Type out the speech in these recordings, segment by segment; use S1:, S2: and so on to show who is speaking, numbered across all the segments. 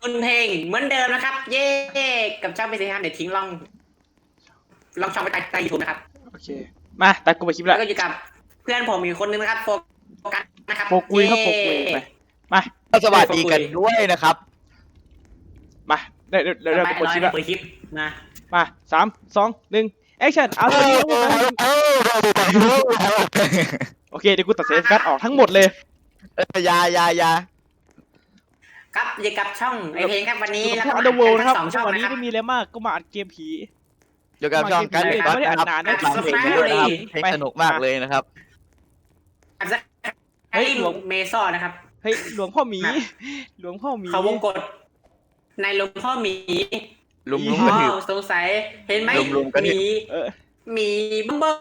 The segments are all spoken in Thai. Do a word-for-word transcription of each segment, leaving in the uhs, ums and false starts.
S1: คุณเพลงเหมือนเดิมนะครับเย่กับช่องไปสิครับเดี๋ยวทิ้งลองลองช่องไปใต้ใต้ยูทูบนะครับ
S2: โอเคมาตัดกูไปคลิป
S1: แล้ว
S2: ละ
S1: ก็อยู่กับเพื่อนผมอีกคนนึงนะครับโฟกัสนะครับ
S2: โฟกุยครับโฟกุยไปมา
S3: สวัสดีกันด้วยนะครับ
S2: มาเดี๋ยวเดี๋ยวเดี๋ยว
S1: ไป
S2: กูเปิดคลิปละ
S1: เปิดคลิปนะ
S2: มาสามสองหนึ่งแอคชั่นเอาตัวนี้โอเคเดี๋ยวกูตัดเซฟกัสออกทั้งหมดเลย
S3: ยายายา
S1: ครับอยู่กับช่องไอเพลงครับวันนี้แล้ว
S2: พว
S1: ก็
S2: กอันเดอร์เวิลด์นะครับ
S1: สองช่อง
S2: วันนี้
S1: นะครับ
S2: ไม่มีอะไรมากก็มาอัดเกมผี
S3: อยู่กับช่องกัน
S2: ไม่
S3: ก็
S2: ได้อ่าน
S3: นะครับ
S2: นานนะ
S3: ฟังเพลงด้วยนะครับเพลงสนุกมากเลยนะครับ
S1: ไอ้หลวงเมซอนนะครับ
S2: เฮ้ยหลวงพ่อหมีหลวงพ่อหมี
S1: เขาวงกดในหลวงพ่อหมี
S3: ลุมลุม
S1: อ๋
S3: กระถือ
S1: อสงสัยเห็นไหม
S3: ลุมๆกัน
S1: ห
S3: เนี่ย
S1: มี
S2: เออ
S1: หมีบึ้มบึ้ม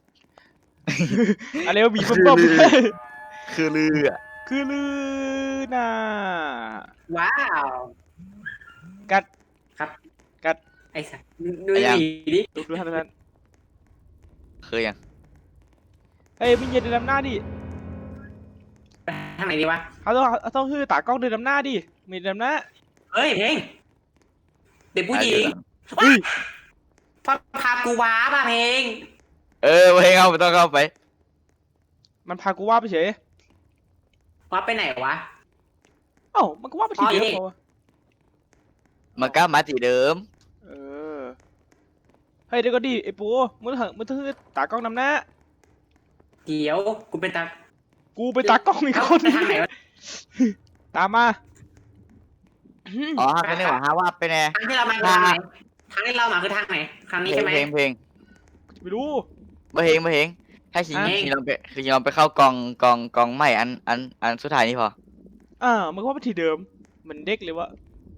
S2: อะไรวะหมีเบิ่ม
S3: คือลืออ่ะ
S2: ๆคือลือน่ะ
S1: ว้าว
S2: กัด
S1: ครับ
S2: กัด
S1: ไอ้สัสดูหมีดิ
S2: ดูดูท่านท่าน
S3: คือยัง
S2: เฮ้ยมึงอย่าเดินนำหน้าดิ
S1: ทางไหนดีวะ
S2: เขาต้องเขาต้องคือตากล้องเดินนำหน้าดิมีเดินนำหน้า
S1: เฮ้ยเพลงเด็กผู้หญิง
S2: เฮ้ย
S1: พาพากูว้าป่ะเพลง
S3: เออเพลงเอาไม่ต้องเข้าไป
S2: มันพากูว่าไปเฉย
S1: ว้าไปไหนวะ
S2: เอ้ามันก็ว่าไปทีเดียว
S1: อ๋อนี่
S2: พอวะ
S3: มันก็มาที่เดิม
S2: เออเฮ้ยเดี๋ยวก็ดิไอ้ปูมึงเถอะมึงต้องคือตากล้องนำหน้า
S1: เดี๋ยวกูเป็นตา
S2: กูไปตากล้องอีก
S1: เอ้า
S2: คน
S1: ไปทางไหนวะ
S2: ตามมา
S3: อ๋อฮักกันนี่หว่าฮาว่าไปแน่
S1: ทางที่เรามาคือทางไหนทางที่เรามาคือทางไหนทาง
S3: เพ
S1: นี้
S3: ล
S1: ใช่
S3: ง
S1: ไหม
S3: เพลงเพลง
S2: ไม่รู้
S3: เพลงเพลงถ้าชิง
S2: อ่ะ
S3: ชิงลองไปคือชิงลองไปเข้ากองกองกองใหม่อันอันอันสุดท้ายนี่พอ
S2: อ่ามันก็ว่าไปทีเดิมเหมือนเด็กเลยวะ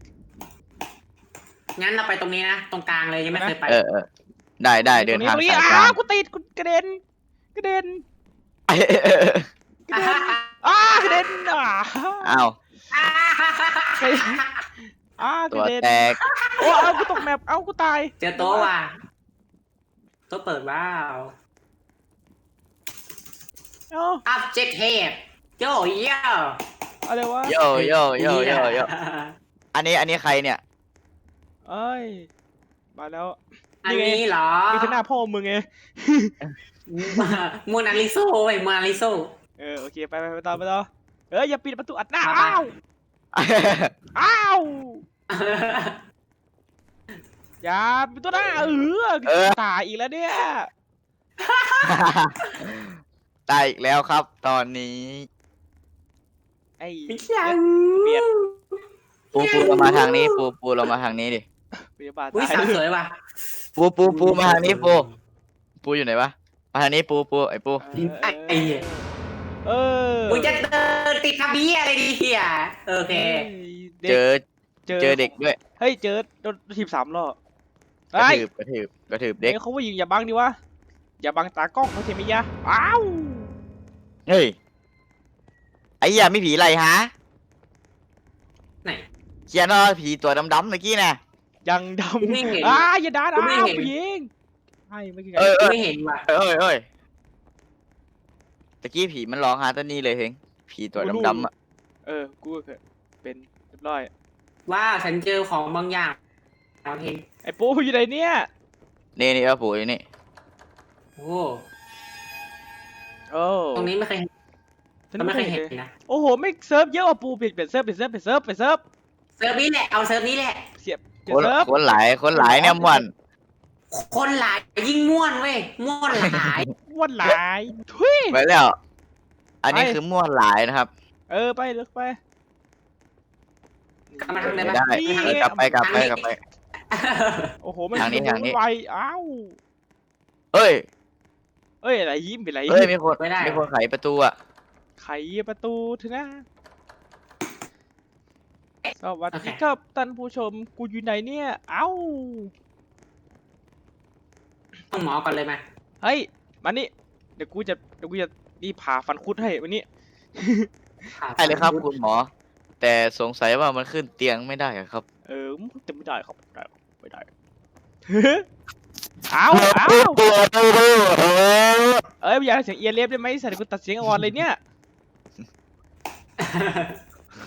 S1: งั้นเราไปตรงนี้นะตรงกลางเลยยังไม่เคยไป
S3: เออเออได้ได้เดินทาง
S2: ตรงนี้
S3: สายก
S2: อ้า
S3: ลาง
S2: วกูติดกูกระเด็นกระเด็น
S3: เออเออ
S1: อ่าฮะ
S2: อ้ากระเด็นอ่า
S3: อ้าว
S1: อ่าฮะ
S2: อ้าก
S3: ตั
S2: ระ
S3: ว
S2: เด็น
S3: แตก
S2: โอ้เอากูตกแมปเอากูตาย
S1: เจอโต๊ะว่ะโต๊ะเปิดว้าว
S2: เอ้า
S1: object tab โยโย่
S2: อะไรวะ
S3: โยโยโยโยโยอันนี้อันนี้ใครเนี่ย
S2: เอ้ยมาแล้ว
S1: อันนี้เหรอ
S2: นี่คือหน้าพ่อมึงไง
S1: โมนาลิโซเว้ยโมนาลิโซ
S2: เออโอเคไปไปไปต่อไปต่อเอ้ยอย่าปิดประตูอัดหน้า
S1: มาไป
S2: อ้าวอ้าวอย่าปิดตัวหน้าเออ
S3: เออ
S2: ตายอีกแล้วเนี่ย
S3: ตายอีกแล้วครับ ตอนนี้
S2: ไอ้
S1: ไม่ใช่
S2: เปลี่ยน
S3: ปูปูเรามาทางนี้ ปูปูเรามาทางนี้ดิ
S2: พยาบาล
S1: อุ้ย
S2: ตาย
S1: สาว
S2: เลย
S1: สวยว่ะ
S3: ปูปูปูมาทางนี้ปูปูอยู่ไหนวะมาทางนี้ปูปูไอ้ปู
S1: ไอ้ไอ้เหี้ย
S2: เออ
S1: มึงจะเดินติดทะเบียอะไรดีเฮียโอเค
S3: เจอเจอเด็กด้วย
S2: เฮ้ยเจอโดนทีมสามรอบ
S3: กระ
S2: ไอ้
S3: ถืบกระถืบกระถืบเด็ก
S2: เด็กเขาว่ายิงอย่าบังดิวะอย่าบังตากล้องเขาเทมิยะอ้าว
S3: เฮ้ยไอ้เหี้ยามีผีอะไรฮะ
S1: ไหน
S3: เขียนว่าผีตัวดำๆเมื่อกี้น่ะ
S2: ยังด
S1: กูไม่เห็น
S2: ำอ้าอย่าด่า
S1: กูไม่
S2: อ้าว
S1: เห็น
S2: ผู้หญิงไอ้ไม่คือไง
S3: เออเออ
S1: ไม่เห็นว่ะ
S3: เอ้ยเอ้ยตะกี้ผีมันร้องหาตัวนี้เลยเฮงผีตัวดำๆอ่ะ
S2: เออกูก็เคยเป็นเรียบร้อย
S1: ว่าฉันเจอของบางอย่างโอเค
S2: ไอ้ปูอยู่ไหนเนี่ย
S3: นี่นี่ว่าปู่อยู่นี่
S1: โอ้
S2: โอ้
S1: ตรงนี้ไม่เคย
S2: ฉัน
S1: ไม่
S2: ไม่
S1: เค
S2: เค
S1: ย
S2: ย
S1: เห็
S2: เห็
S1: น
S2: น
S1: นะ
S2: โอ้โหไม่เซิร์ฟเยอะอ่ะปูเปลี่ยนเปลี่ยนเซิร์ฟเปลี่ยนเซิร์ฟเปลี่ยนเซิร์ฟเปลี่ยนเซิร์ฟ
S1: เซิร์ฟนี้แหละเอาเซิร์ฟนี้แหละ
S2: เสียบเปลี่ย
S3: คน น
S2: เซิร์ฟ
S3: คนหลายคนหลายเนี่ยม่วน
S1: คนหลายยิ่งม่วนเว้ยม่วนหลาย
S2: อ้วนหลายทุย
S3: ไปแล้ว อันนี้
S2: ไป
S3: คือม่วนหลายนะครับ
S2: เออไปเลิกไป
S1: กลับมาทางไหน
S3: ไม่
S1: บ้าง
S3: ได้
S2: นี่
S3: เออกลับไปกลับไปกลับไป
S2: โอ้โหมัน
S3: ทางนี้ทางนี้
S2: ไวอ้าว
S3: เอ้ย
S2: เอ้ยอะไรยิ้มเป็นไร
S3: เอ้ยมีคน
S1: ไม่ได้
S3: มีคนไขประตูอ่ะ
S2: ไขประตูเถอะนะสวัสดีครับท่านผู้ชมกูอยู่ไหนเนี่ย เอ้า
S1: ต้องหมอก่อนเลยไหม
S2: เฮ้ยมานี่เดี๋ยวกูจะเดี๋ยวกูจะนี่ผ่าฟันคุดให้วันนี้
S3: ใช่เลยครับคุณหมอ แต่สงสัยว่ามันขึ้นเตียงไม่ได้อะครับ
S2: เออมันจะไม่ได้ครับไม่ได้ครับไม่ได้ เอาเอา
S3: ตัวตัว
S2: เอ้ยอย่าเสียงเอียนเล็บได้ไหมสัตว์กูตัดเสียงอ่อนเลยเนี่ย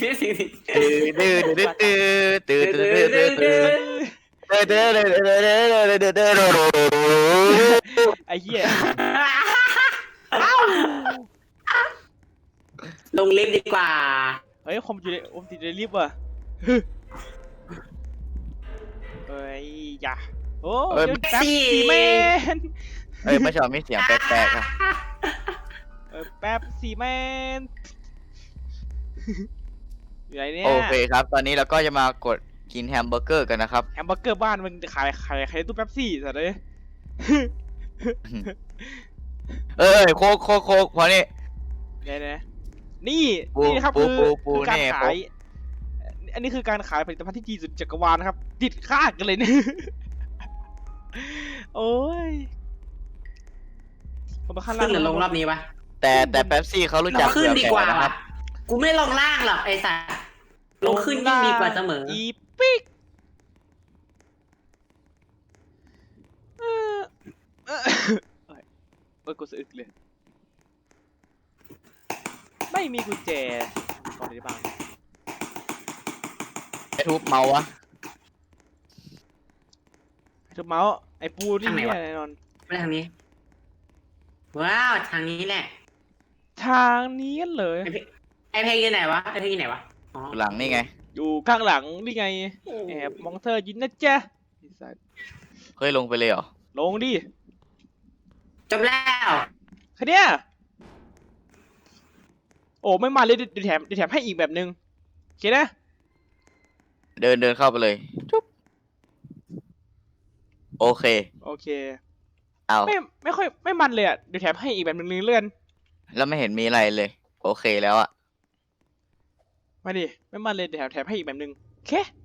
S3: ดื้อดื้อดื้อดื้อดื้อดื้อดื้อดื้อดื้อดื้อดื้อดื้อดื้อดื้อ
S2: ไอ้เหี้ย
S1: ลงลิฟต์ดีกว่า
S2: เฮ้ยคอมอยู่ในคอมติดในลิฟต์ว่ะเฮ้ยอย่าโอ้ยแป๊บซี่แมน
S3: เอ้ยไม่ชอบมีเสียงแปลกๆอ่ะ
S2: เออแป๊บซี่แมนอยู่ไหนเนี่ย
S3: โอเคครับตอนนี้เราก็จะมากดกินแฮมเบอร์เกอร์กันนะครับ
S2: แฮมเบอร์เกอร์บ้านมึงขายขายขายตู้แป๊บซี่สัตว์เลย
S3: เอ้ยโคกโคกโคกพอนี่
S2: เนี่ยนะนี่
S3: ปู
S2: นี่นะครับ
S3: ปู
S2: คือ
S3: ปูปู
S2: คือการ
S3: นี่
S2: ขายอันนี้คือการขายผลิตภัณฑ์ที่ดีสุดจักรวาลนะครับติดค่ากันเลยเนี่ย โอ้ยผมมาข้างล่า
S1: ขึ้
S2: ง
S1: นหรือลงรอบนี้วะ
S3: แต่แต่แป๊บซี่เขารู้จัก
S1: เราขึ้นดีกว่า
S3: เผื่อแผ่นะครับ
S1: กูไม่ลงล่างหรอกไอ้สัสลงขึ้นยิ่งดีกว่าเสมอ
S2: อีปิกเออเออเอ้ยเอ้ยกูสะอึกเลยไม่มีกุญแจก่อนได้บ้าง
S3: ไอ้ทุบเมาส์วะ
S2: ทุบเมาส์ไอ้ปูนี่
S1: ทางไหน
S2: เนี่
S1: วะ
S2: ยแน่นอน
S1: ไม่ทางนี้ ว้าวทางนี้แหละ
S2: ทางนี้เลย
S1: ไอเพลงอยู่ไหนวะไอเพลงอยู่ไหนวะอ๋อ
S3: หลังนี่ไง
S2: อยู่ข้างหลังนี่ไงแอบมองเธอยินนะจ๊ะไอ้สัส
S3: เฮ้ยลงไปเลยเหรอ
S2: ลงดิ
S1: จบแล้ว
S2: แค่เนี้ยโอ้ไม่มาเลยเดี๋ยวแถมเดี๋ยวแถมให้อีกแบบนึงโอเคนะ
S3: เดินเดินเข้าไปเลยจุ๊บโอเค
S2: โอเค
S3: เอา
S2: ไม่ไม่ค่อยไม่มันเลยอ่ะเดี๋ยวแถมให้อีกแบบนึงเลื่อน
S3: แล้วไม่เห็นมีอะไรเลย โอเคแล้วอะ
S2: มาดิไม่มันเลยเดี๋ยวแถมแถมให้อีกแบบนึงโอเค